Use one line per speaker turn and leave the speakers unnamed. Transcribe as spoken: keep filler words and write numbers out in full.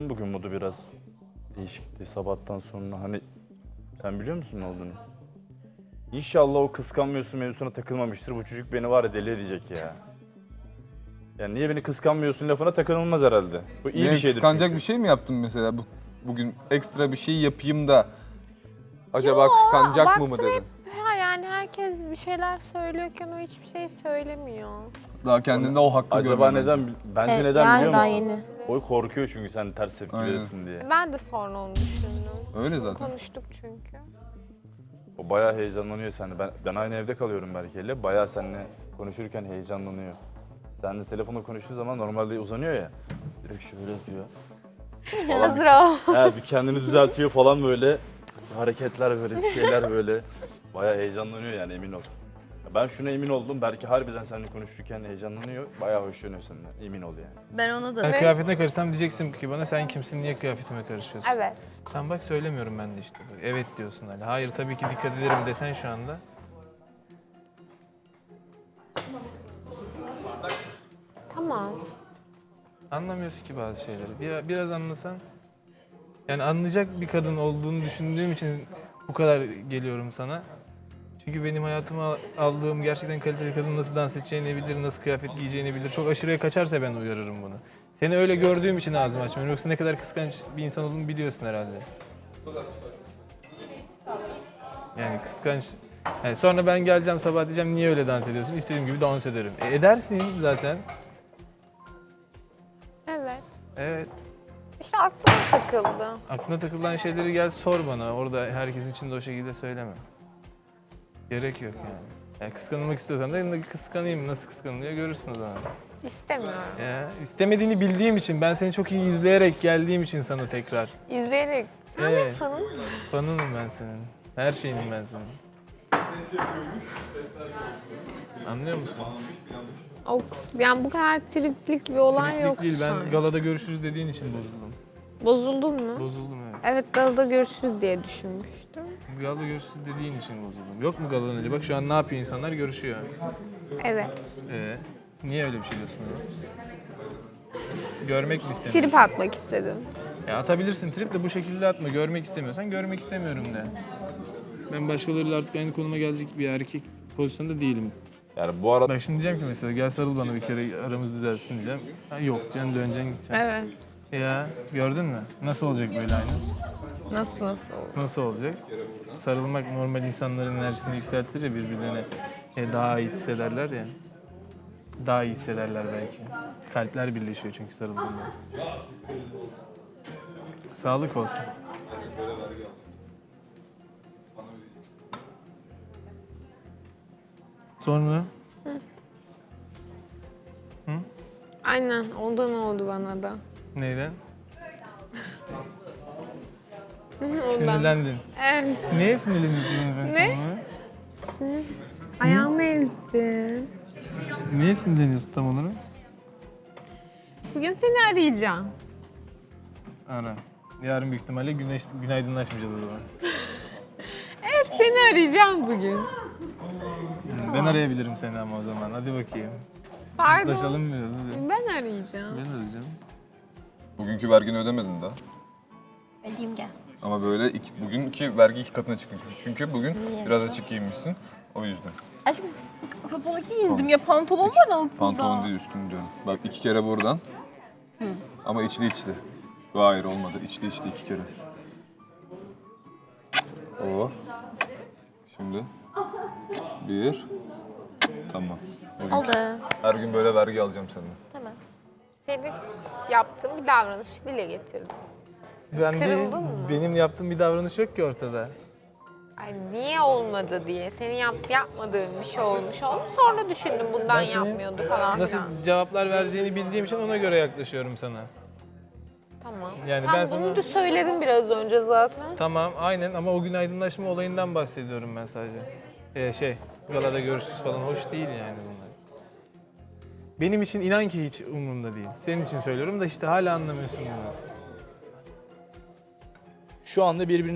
Bugün modu biraz değişikti sabahtan sonra. Hani sen biliyor musun ne olduğunu? İnşallah o kıskanmıyorsun mevzusuna takılmamıştır. Bu çocuk beni var ya deli edecek ya. Yani niye beni kıskanmıyorsun lafına takılmaz herhalde. Bu iyi
Niye,
bir şeydir
kıskanacak
çünkü.
bir şey mi yaptın mesela? Bu, bugün ekstra bir şey yapayım da acaba kıskanacak mı mı
baktım
dedin?
Ha, yani herkes bir şeyler söylüyorken o hiçbir şey söylemiyor.
Daha kendinde o hakkı
Acaba
görmedin.
neden? Bence
Evet,
neden
yani
biliyor
daha
musun?
yeni.
O korkuyor çünkü sen ters tepki
Aynen.
verirsin diye.
Ben de sonra onu düşündüm.
Öyle zaten.
Konuştuk çünkü.
O bayağı heyecanlanıyor seninle. Ben, ben aynı evde kalıyorum Berke'yle. Bayağı seninle konuşurken heyecanlanıyor. Seninle telefonla konuştuğu zaman normalde uzanıyor ya. Direkt şöyle yapıyor.
Hazır ol.
He, bir kendini düzeltiyor falan böyle. Hareketler böyle, bir şeyler böyle. Bayağı heyecanlanıyor yani emin ol. Ben şuna emin oldum. Belki harbiden seninle konuşurken heyecanlanıyor. Bayağı hoşlanıyor senden. Emin ol yani.
Ben ona da...
Ben kıyafetine karışsam diyeceksin ki bana sen kimsin, niye kıyafetime karışıyorsun?
Evet.
Sen bak söylemiyorum ben de işte. Evet diyorsun hala. Hayır tabii ki dikkat ederim desen şu anda.
Tamam.
Anlamıyorsun ki bazı şeyleri. Bir, biraz anlasan. Yani anlayacak bir kadın olduğunu düşündüğüm için bu kadar geliyorum sana. Çünkü benim hayatıma aldığım gerçekten kaliteli kadın nasıl dans edeceğini bilir, nasıl kıyafet giyeceğini bilir. Çok aşırıya kaçarsa ben uyarırım bunu. Seni öyle gördüğüm için ağzımı açmıyorum. Yoksa ne kadar kıskanç bir insan olduğunu biliyorsun herhalde. Yani kıskanç. Yani sonra ben geleceğim sabah diyeceğim niye öyle dans ediyorsun? İstediğim gibi dans ederim. E, edersin zaten.
Evet.
Evet.
İşte aklıma takıldı.
Aklına takılan şeyleri gel sor bana. Orada herkesin içinde o şekilde söyleme. Gerek yok yani. Yani kıskanılmak istiyorsan da kıskanayım. Nasıl kıskanılıyor görürsün o zaman.
İstemiyorum.
Ya, istemediğini bildiğim için, ben seni çok iyi izleyerek geldiğim için sana tekrar.
İzleyerek. Sen
Evet.
benim fanım mısın?
Fanınım ben senin. Her şeyinim ben senin. Anlıyor musun?
O, yani bu kadar triplik bir olay
Triplik
yok.
değil, ben
sanki.
galada görüşürüz dediğin için bozuldum.
Bozuldun mu?
Bozuldum evet.
Evet, galada görüşürüz diye düşünmüştüm.
Galada görüşürüz dediğin için bozuldum. Yok mu galadan öyle? Bak şu an ne yapıyor insanlar? Görüşüyor.
Evet.
Ee, niye öyle bir şey diyorsun? Görmek mi istemiyorsun?
Trip atmak istedim.
Ya atabilirsin trip de bu şekilde atma. Görmek istemiyorsan görmek istemiyorum de. Ben başkalarıyla artık aynı konuma gelecek bir erkek pozisyonda değilim.
Yani bu arada
Bak şimdi diyeceğim ki mesela gel sarıl bana bir kere aramız düzelsin diyeceğim. Ha, yok diyeceksin döneceksin gideceksin.
Evet.
Ya gördün mü? Nasıl olacak böyle aynı?
Nasıl nasıl oldu?
Nasıl olacak? Sarılmak normal insanların enerjisini yükseltir ya birbirlerine e, daha iyi hissederler ya. Daha iyi hissederler belki. Kalpler birleşiyor çünkü sarıldığında. Sağlık olsun. Sonra?
Aynen, ondan oldu bana da.
Neyden?
Hı, ondan.
Sinirlendin.
Evet.
Neye sinirleniyorsun efendim?
Ne? Ayağımı ezdin.
Niye sinirleniyorsun tam olarak?
Bugün seni arayacağım.
Ara. Yarın büyük ihtimalle güneş, günaydınlaşmayacağız o zaman.
Evet, seni arayacağım bugün.
Ben arayabilirim seni ama o zaman. Hadi bakayım.
Pardon.
Taşalım biraz. Hadi.
Ben arayacağım.
Ben arayacağım.
Bugünkü vergini ödemedin daha.
Ödeyeyim gel.
Ama böyle iki, bugünkü vergi iki katına çıkmış. Çünkü bugün
Niye?
biraz açık giyinmişsin. O yüzden.
Aşkım kapalı giyindim ya, pantolon var altında.
Pantolon değil üstünü diyorum. Bak iki kere buradan. Ama içli içli. Hayır olmadı. İçli içli iki kere. O. Şimdi. Bir. Tamam. Bugün
Oldu.
her gün böyle vergi alacağım senden.
Tamam.
Senin yaptığın bir davranışı dile getirdim.
Ben de,
Kırıldın mı?
benim yaptığım bir davranış yok ki ortada.
Ay niye olmadı diye. Senin yap, yapmadığın bir şey olmuş oldu. Sonra düşündüm bundan
Ben senin
yapmıyordu falan
Nasıl
filan.
cevaplar vereceğini bildiğim için ona göre yaklaşıyorum sana.
Tamam.
Yani
Tam
ben
bunu
sana-
da söyledim biraz önce zaten.
Tamam aynen ama o gün aydınlaşma olayından bahsediyorum ben sadece. Ee, şey galada görüşürüz falan hoş değil yani bunlar. Benim için inan ki hiç umurumda değil. Senin için söylüyorum da işte hala anlamıyorsun bunu.
şu anda birbirine